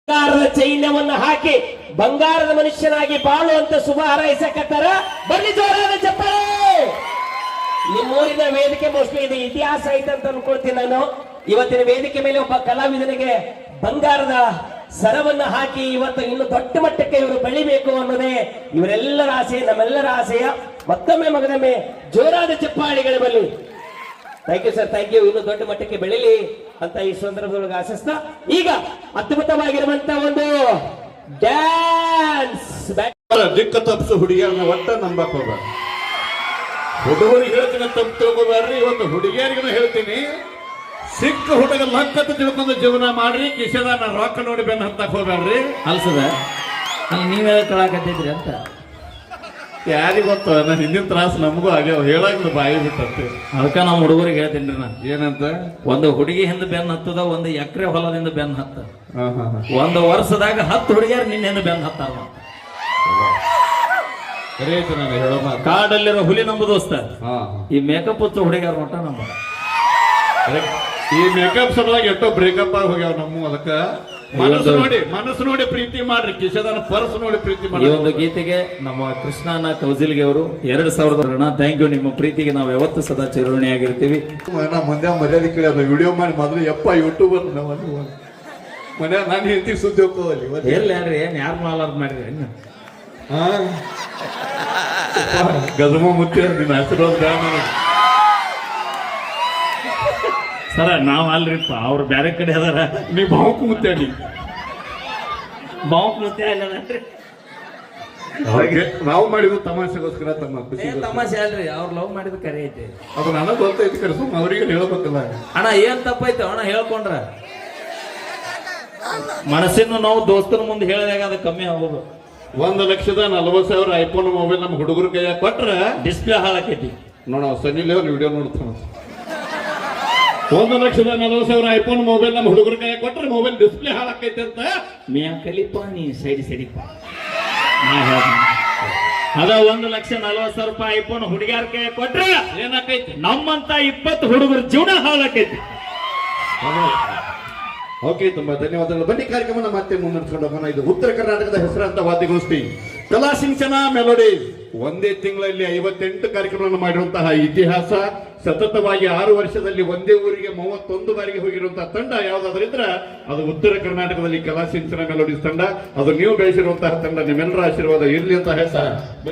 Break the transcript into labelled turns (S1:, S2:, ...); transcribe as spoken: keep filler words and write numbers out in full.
S1: ಬಂಗಾರದ ಚೈನ್ಯವನ್ನ ಹಾಕಿ ಬಂಗಾರದ ಮನುಷ್ಯನಾಗಿ ಬಾಳುವಂತ ಶುಭ ಹಾರೈಸಕತ್ತಾರ. ಬರ್ಲಿ ಜೋರಾದ ಚಪ್ಪಾಳೆ. ನಿಮ್ಮೂರಿನ ವೇದಿಕೆ ಮೋಸ್ಟ್ಲಿ ಇದು ಇತಿಹಾಸ ಐತೆ ಅಂತ ಅನ್ಕೊಳ್ತೀನಿ ನಾನು. ಇವತ್ತಿನ ವೇದಿಕೆ ಮೇಲೆ ಒಬ್ಬ ಕಲಾವಿದನಿಗೆ ಬಂಗಾರದ ಸರವನ್ನ ಹಾಕಿ ಇವತ್ತು ಇನ್ನು ದೊಡ್ಡ ಮಟ್ಟಕ್ಕೆ ಇವರು ಬೆಳಿಬೇಕು ಅನ್ನೋದೇ ಇವರೆಲ್ಲರ ಆಸೆ, ನಮ್ಮೆಲ್ಲರ ಆಸೆಯ. ಮತ್ತೊಮ್ಮೆ ಮಗದೊಮ್ಮೆ ಜೋರಾದ ಚಪ್ಪಾಳಿಗಳು ಬರಲಿ. Thank you sir, thank you. ಇನ್ನು ದೊಡ್ಡ ಮಟ್ಟಕ್ಕೆ ಬೆಳಿಲಿ ಅಂತ ಈ ಸಂದರ್ಭದೊಳಗೆ ಆಶಿಸ್ತಾ ಈಗ ಅದ್ಭುತವಾಗಿರುವಂತ ಒಂದು ಡ್ಯಾನ್ಸ್
S2: ದಿಕ್ಕ ತಪ್ಪಿಸು ಹುಡುಗಿಯರನ್ನ ಒಟ್ಟ ನಂಬಕ್ ಹೋಗ್ಬೇಡ. ಹುಡುಗರಿಗೆ ಹೇಳ್ತೀನಿ ತಪ್ಪು ತಿಳ್ಕೊಬ್ಯಾಡ್ರಿ. ಇವತ್ತು ಹುಡುಗಿಯರಿಗೂ ಹೇಳ್ತೀನಿ, ಸಿಕ್ಕ ಹುಡುಗ ಲಕ್ಕತ್ತು ತಿಳ್ಕೊಂಡು ಜೀವನ ಮಾಡ್ರಿ. ಕಿಶೆದಾನ ರೊಕ್ಕ ನೋಡಿ ಬೆನ್ನ ಹತ್ತಕ್ ಹೋಗ್ಬೇಡ್ರಿ.
S3: ಅಲ್ಸದ ಅಲ್ಲಿ ನೀವೇ ಕಳಾಕತ್ತಿದ್ರಿ ಅಂತ
S2: ಯಾರಿಗ ಗೊತ್ತ, ನಾನು ಹಿಂದಿನ ತ್ರಾಸ ನಮಗೂ ಆಗ್ಯಾವ. ಹೇಳಾಗ ಬಾಯಿ ಬಿಟ್ಟಂತೆ.
S3: ಅದಕ್ಕ ನಾವು ಹುಡುಗರಿಗೆ ಹೇಳ್ತೀನಿ ನಾ
S2: ಏನಂತ,
S3: ಒಂದು ಹುಡುಗಿ ಹಿಂದ ಬೆನ್ ಹತ್ತದ, ಒಂದು ಎಕರೆ ಹೊಲದಿಂದ ಬೆನ್ ಹತ್ತ.
S2: ಹಾ ಹಾ
S3: ಒಂದು ವರ್ಷದಾಗ ಹತ್ತು ಹುಡುಗಿಯರು ನಿನ್ನೆಂದು ಬೆನ್ ಹತ್ತಾರ.
S2: ಸರಿ ಆಯ್ತು. ನಾನು ಹೇಳೋ ಮಾತು
S3: ಕಾಡಲ್ಲಿರೋ ಹುಲಿ ನಂಬು ದೋಸ್ತ.
S2: ಹಾ
S3: ಈ ಮೇಕಪ್ ಹಚ್ಚು ಹುಡುಗಿಯರ ಮಟ್ಟ ನಂಬ.
S2: ಈ ಮೇಕಪ್ ಸಲುವಾಗಿ ಎಷ್ಟೋ ಬ್ರೇಕಪ್ ಆಗಿ ಹೋಗ್ಯಾವ ನಮ್ಮ. ಅದಕ್ಕ ಮನಸ್ಸು ನೋಡಿ ಮನಸ್ಸು ನೋಡಿ ಪ್ರೀತಿ ಮಾಡ್ರಿ. ಕಿಶದಾನ ಪರ್ಸ್ ನೋಡಿ ಪ್ರೀತಿ
S3: ಈ
S2: ಮಾಡಿ.
S3: ಒಂದು ಗೀತೆಗೆ ನಮ್ಮ ಕೃಷ್ಣನ ಕೌಜಿಲ್ಗೆ ಅವರು ಎರಡ್ ಸಾವಿರದ ಥ್ಯಾಂಕ್ ಯು. ನಿಮ್ಮ ಪ್ರೀತಿಗೆ ನಾವು ಯಾವತ್ತು ಸದಾ ಚಿರಋಣಿಯಾಗಿರ್ತೀವಿ.
S2: ನಾ ಮಂದ್ಯ ಮರ್ಯಾದೆ ಕೇಳಿ ಅದು ವಿಡಿಯೋ ಮಾಡಿ ಮೊದಲು ಯಪ್ಪ ಯೂಟ್ಯೂಬರ್ ಮನೆ ನಾನು ಹೆಂಡತಿ ಸುದ್ದಿ ಹೋಗ್ಕೋದಲ್ಲಿ
S3: ಎಲ್ಲಿ ಯಾರು ಏನ್ ಯಾರು ಮಾಲಾರ್ದ ಮಾಡ್ರಿ ಏನ್
S2: ಗಜಮ ಮುತ್ತಿ ನಿನ್ನ ಆಶೀರ್ವಾದ
S3: ಸರ ನಾವ್ ಅಲ್ರಿಪ್ಪ, ಅವ್ರು ಬೇರೆ ಕಡೆ ಅದಾರ.
S2: ನೀ ಬಾವುಕು ಮುತ್ತಾಡಿ
S3: ಬಾವುಕ್ ಮುತ್ತೆ ಅಲ್ಲನ್ರಿ.
S2: ನಾವು ಮಾಡಿದ್ದು ತಮಾಷೆಗೋಸ್ಕರ, ತಮ್ಮ ಖುಷಿ
S3: ತಮಾಷೆ ಅಲ್ರಿ, ಅವ್ರು ಲವ್ ಮಾಡಿದ ಕರೆ ಐತಿ.
S2: ಅದು ನನಗೆ ಗೊತ್ತೈತಿ ಕರೆ, ಸುಮ್ಮ ಅವ್ರಿಗೆ ಹೇಳ್ಬೇಕಲ್ಲ.
S3: ಅಣ್ಣ ಏನ್ ತಪ್ಪೈತೆ ಅಣ್ಣ ಹೇಳ್ಕೊಂಡ್ರ ಮನಸ್ಸಿನ ನಾವು ದೋಸ್ತನ ಮುಂದೆ ಹೇಳಿದಾಗ ಅದು ಕಮ್ಮಿ ಆಗೋದು.
S2: ಒಂದ್ ಲಕ್ಷದ ನಲ್ವತ್ ಸಾವಿರ ಐಫೋನ್ ಮೊಬೈಲ್ ನಮ್ಮ ಹುಡುಗರ ಕೈಯಾಗ ಕೊಟ್ರ
S3: ಡಿಸ್ಪ್ಲೇ ಹಾಳಾಕೈತಿ.
S2: ನೋಡ ಸನಿ ಲೇವರ್ ವಿಡಿಯೋ ನೋಡ್ತಾನ. ಒಂದು ಲಕ್ಷದ ನಲ್ವತ್ ಸಾವಿರ ಐಫೋನ್ ಮೊಬೈಲ್ ನಮ್ಮ ಹುಡುಗರ ಕೈಯಾಗ ಕೊಟ್ರೆ ಮೊಬೈಲ್ ಡಿಸ್ಪ್ಲೇ ಹಾಳಾಕೈತೆ ಅಂತ
S3: ಮಿಯಾ ಕಲಿಪ ನೀ ಸೈಡಿ ಸೈಡಿಪ ಅದ ಒಂದು ಲಕ್ಷ ನಲ್ವತ್ ಸಾವಿರ ರೂಪಾಯಿ ಐಫೋನ್ ಹುಡುಗಿಯರ ಕೈ ಕೊಟ್ರೆ ಏನಾಕೈತಿ, ನಮ್ಮಂತ ಇಪ್ಪತ್ತು ಹುಡುಗರ ಜೀವನ ಹಾಳಾಕೈತಿ.
S2: ಓಕೆ, ತುಂಬಾ ಧನ್ಯವಾದಗಳು. ಬನ್ನಿ ಕಾರ್ಯಕ್ರಮ ಮತ್ತೆ ಮುನ್ನಡೆಸ್ಕೊಂಡು ಹೋಗೋಣ. ಇದು ಉತ್ತರ ಕರ್ನಾಟಕದ ಹೆಸರಾಂತ ವಾದ್ಯಗೋಷ್ಠಿ ಕಲಾ ಸಿಂಚನ ಮೆಲೋಡಿ. ಒಂದೇ ತಿಂಗಳಲ್ಲಿ ಐವತ್ತೆಂಟು ಕಾರ್ಯಕ್ರಮವನ್ನು ಮಾಡಿರುವಂತಹ ಇತಿಹಾಸ. ಸತತವಾಗಿ ಆರು ವರ್ಷದಲ್ಲಿ ಒಂದೇ ಊರಿಗೆ ಮೂವತ್ತೊಂದು ಬಾರಿಗೆ ಹೋಗಿರುವಂತಹ ತಂಡ ಯಾವ್ದಾದ್ರಿದ್ರ ಅದು ಉತ್ತರ ಕರ್ನಾಟಕದಲ್ಲಿ ಕಲಾ ಸಿಂಚನ ಮೆಲೋಡಿಸ್ ತಂಡ. ಅದು ನೀವು ಬೆಳೆಸಿರುವಂತಹ ತಂಡ. ನಿಮ್ಮೆಲ್ಲರ ಆಶೀರ್ವಾದ ಇರ್ಲಿ ಅಂತ ಹೇಳ್ತಾರೆ.